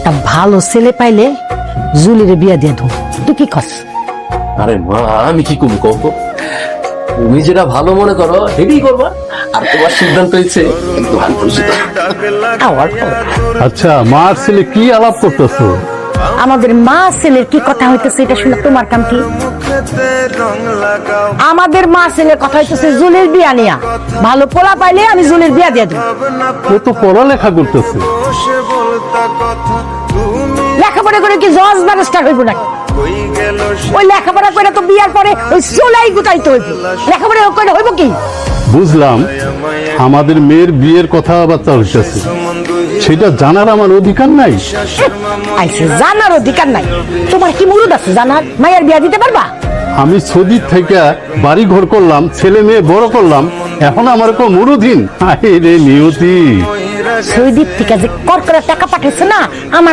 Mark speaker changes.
Speaker 1: একটা ভালো ছেলে পাইলে জুলিরে বিয়া দিয়ে দেবো, তুই কি কস?
Speaker 2: আরে মা, আমি কি কম কব? তুমি যেটা ভালো মনে করো সেটাই করবা। আর তোমার সিদ্ধান্ত হচ্ছে কিন্তু আমি খুশি তো।
Speaker 1: আওয়ার
Speaker 3: আচ্ছা, মার ছেলে কি আলাপ করতেছো?
Speaker 1: আমাদের মা ছেলের কি কথা হইতেছে এটা শুনে তোমার কাম কি? আমাদের মা ছেলের কথা হইতেছে জুলির বিয়া নিয়া। ভালো পোলা পাইলে আমি জুলির বিয়া দিয়ে দেবো।
Speaker 3: ও তো পড়ালেখা করতেছে।
Speaker 1: লেখাপড়া করে কি জজ ব্যারিস্টার হইব নাকি? ওই লেখাপড়া করে তো বিয়ার পরে ওই চুলাই গুটাইতে হইব। লেখাপড়া করে হইব কি?
Speaker 3: বুঝলাম, আমাদের মেয়ের বিয়ের কথাবার্তা হইতেছে, সেটা জানার আমার অধিকার নাই?
Speaker 1: আইসে জানার অধিকার নাই। তোমার কি মুরুদ আছে জানার? মায়ের বিয়া দিতে পারবা?
Speaker 3: আমি সৌদি থেকে বাড়ি ঘর করলাম, ছেলে মেয়ে বড় করলাম, এখন আমার কেউ মুরুদহীন? রে নিয়তি।
Speaker 1: সৌদির থেকে যে কর করে টাকা পাঠাইছে না, আমার